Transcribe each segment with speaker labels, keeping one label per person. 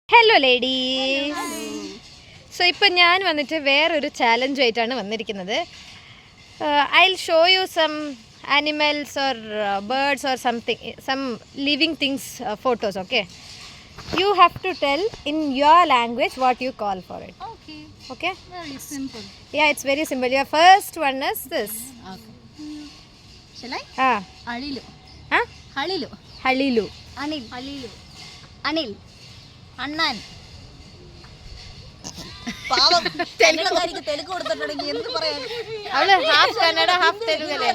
Speaker 1: Hello ladies. So ഇപ്പം ഞാൻ വന്നിട്ട് വേറൊരു ചാലഞ്ചുമായിട്ടാണ് വന്നിരിക്കുന്നത്. I will show you some animals or birds or something, some living things photos. Okay, you have to tell in your language what you call for it. Okay,
Speaker 2: Very simple.
Speaker 1: yeah, it's very simple. Your first one is this.
Speaker 2: Okay. Shall I? Alilu.
Speaker 1: Halilu.
Speaker 2: Anil. Alilu. Anil. Annan. പാവം തെലുങ്കാരിക്ക് തെലുങ്ക് കൊടുത്തിട്ടുണ്ടെങ്കിൽ എന്ത് പറയാൻ?
Speaker 1: അവള് half Kannada half തെലുങ്കല്ലേ?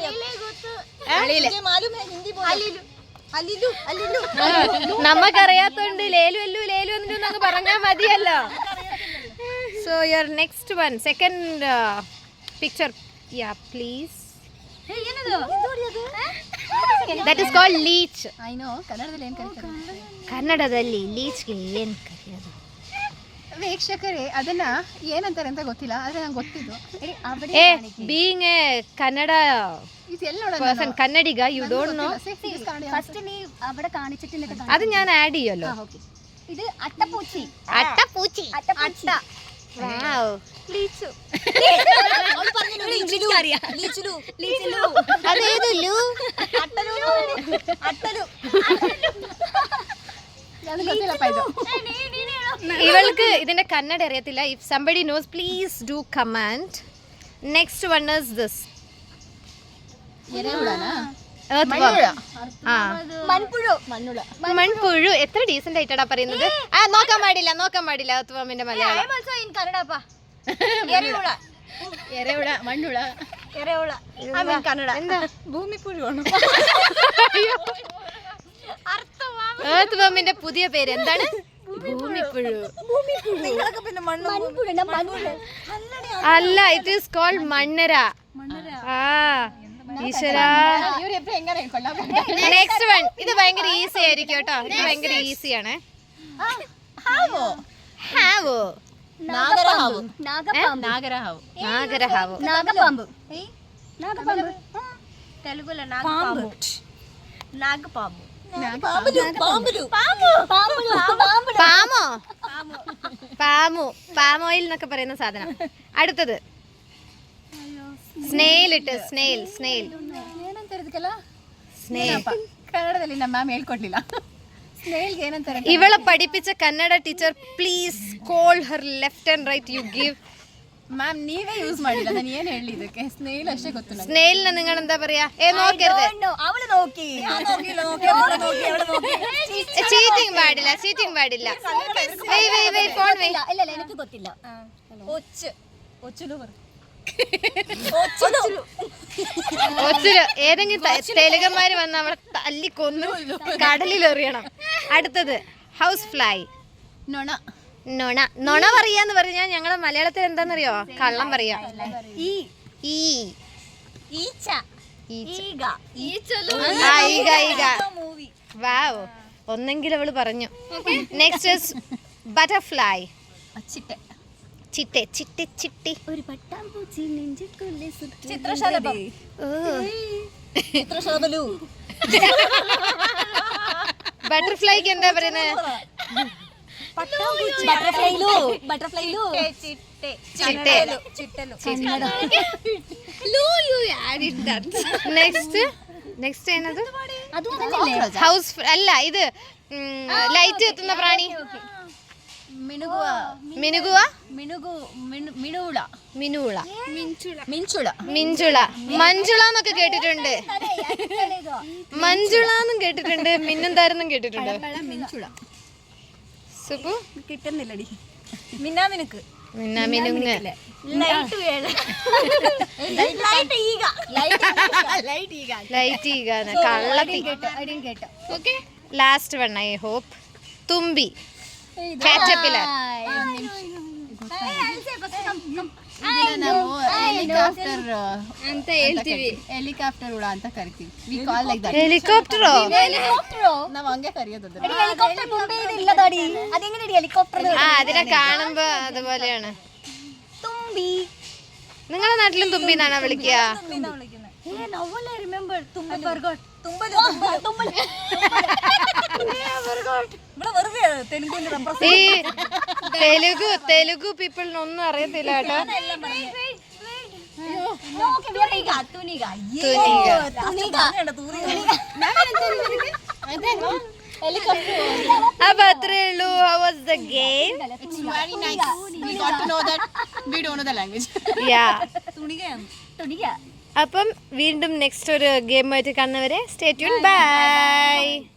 Speaker 1: നമുക്കറിയാത്തോണ്ട് ലേലു അല്ലു ലേലു എന്നൊക്കെ പറഞ്ഞാൽ മതിയല്ലോ. So your next one, second picture, yeah please. That is called leech.
Speaker 2: I know. ಕನ್ನಡದಲ್ಲಿ ಏನು ಕರೀತಾರೆ?
Speaker 1: ಕನ್ನಡದಲ್ಲಿ ಲೀಚ್ಗೆ ಏನು ಕರೆಯೋದು?
Speaker 2: ವೀಕ್ಷಕರೇ, ಅದನ್ನ ಏನಂತಾರೆ ಅಂತ ಗೊತ್ತಿಲ್ಲ, ಆದ್ರೆ ನಂಗೆ ಗೊತ್ತಿದ್ದು.
Speaker 1: ಬೀಯಿಂಗ್ ಎ ಕನ್ನಡ person, കന്നഡിക, you don't know.
Speaker 2: ഫസ്റ്റ് നീ അവിടെ കാണിച്ചിട്ട്
Speaker 1: അത് ഞാൻ ആഡ് ചെയ്യല്ലോ.
Speaker 2: ഇത് അട്ടപ്പൂച്ചി.
Speaker 1: അട്ടപ്പൂച്ചി.
Speaker 2: അട്ട.
Speaker 1: വാവ്.
Speaker 2: ലീച്ചു.
Speaker 1: അതേതു ലു? ഇവൾക്ക് ഇതിന്റെ കന്നഡ അറിയത്തില്ല. If somebody knows please do comment. Next one is this. മൺപുഴു. എത്ര ഡീസന്റ് ആയിട്ടാ പറയുന്നത്. നോക്കാൻ പാടില്ല അത്വാമിന്റെ മലയാളം. ഏർത്ത് പുതിയ പേര് എന്താണ്? ഭൂമിപ്പുഴു. അല്ല, ഇറ്റ് ഈസ് കോൾഡ് മണ്ണര. ഈശ്വരാ. Next one. ഇത് ഭയങ്കര ഈസി ആയിരിക്കും കേട്ടോ. ഇത് ഭയങ്കര ഈസിയാണ്. ഹാവോ.
Speaker 2: നാഗരഹാവ്. తెలుగులో నాగపాము.
Speaker 1: പാം ഓയിൽ എന്നൊക്കെ പറയുന്ന സാധനം. അടുത്തത് സ്നെയിൽ.
Speaker 2: ಕನ್ನಡದಲ್ಲಿ ನಮ್ಮ ಮ್ಯಾಮ್ ಹೇಳ್ಕೊಡ್ಲಿಲ್ಲ. ಸ್ನೇಲ್ಗೆ ಏನಂತಾರೆ?
Speaker 1: ಇವಳ പഠിപ്പിച്ച Kannada teacher, please call her left and right. You give.
Speaker 2: Ma'am ನೀವೇ ಯೂಸ್ ಮಾಡಿಲ್ಲ, ನಾನು ಏನು ಹೇಳಿ ಇದಕ್ಕೆ? ಸ್ನೇಲ್ ಅಷ್ಟೇ ಗೊತ್ತು ನನಗೆ.
Speaker 1: സ്നെയിലിനെ നിങ്ങൾ എന്താ പറയാ? നോക്കരുത്.
Speaker 2: ಅವಳು നോക്കി.
Speaker 1: ചീറ്റിംഗ് പാടില്ല. ഫോൺ വേ.
Speaker 2: ಇಲ್ಲ എനിക്ക് ಗೊತ್ತಿಲ್ಲ. ഒച്ചുലു.
Speaker 1: ഏതെങ്കിലും തെലുങ്കന്മാര് വന്ന് അവളെ തല്ലിക്കൊന്നു കടലിൽ എറിയണം. അടുത്തത് ഹൗസ് ഫ്ലൈ. നൊണ പറയാന്ന് പറഞ്ഞാൽ ഞങ്ങളെ മലയാളത്തിൽ എന്താന്നറിയോ? കള്ളം പറയാ. വാവ്. ഒന്നെങ്കിലും അവള് പറഞ്ഞു. Next butterfly. ചിട്ടി.
Speaker 2: ഒരു പട്ടാമ്പൂച്ചി നെഞ്ചിക്കുള്ളിൽ
Speaker 1: ബട്ടർഫ്ലൈക്ക് എന്താ പറയുന്നത്? നെക്സ്റ്റ് ഏനത്? ഹൗസ് അല്ല, ഇത് ലൈറ്റ് എത്തുന്ന പ്രാണി. മിനുള. മഞ്ജുള എന്നൊക്കെ കേട്ടിട്ടുണ്ട്. മഞ്ജുളന്നും കേട്ടിട്ടുണ്ട്. മിന്നുന്താരെന്നും കേട്ടിട്ടുണ്ട്. സുപ്പു
Speaker 2: കിട്ടുന്നില്ലടി. മിന്നാമിനുക്ക്.
Speaker 1: Last one, I hope. തുമ്പി. Caterpillar.
Speaker 2: ಹೆಲಿಕಾಪ್ಟರ್ ಉಡ ಅಂತ ಕರಿತೀವಿ. We call like that.
Speaker 1: Helicopter
Speaker 2: ನಾವು ಹಂಗೆ ಕರೆಯೋದು.
Speaker 3: ಹೆಲಿಕಾಪ್ಟರ್ ಮುಂಬೈയിൽ ഇല്ലതാടി. അതെങ്ങനെയാണ് ഹെലികോപ്റ്റർ?
Speaker 1: അതിനെ കാണുമ്പോ അതുപോലെയാണ്.
Speaker 3: തുമ്പി.
Speaker 1: നിങ്ങളുടെ നാട്ടിലും തുമ്പി എന്നാണോ വിളിക്കുക? ഈ തെലുഗു പീപ്പിളിനൊന്നും അറിയത്തില്ല കേട്ടോ. അപ്പൊ അത്രേ ഉള്ളൂ. How was the game?
Speaker 2: It's very nice. We got to know that we don't know the language.
Speaker 1: Yeah. അപ്പം വീണ്ടും നെക്സ്റ്റ് ഒരു ഗെയിമായിട്ട് കാണുന്നവരെ സ്റ്റേ ട്യൂൺ. ബൈ.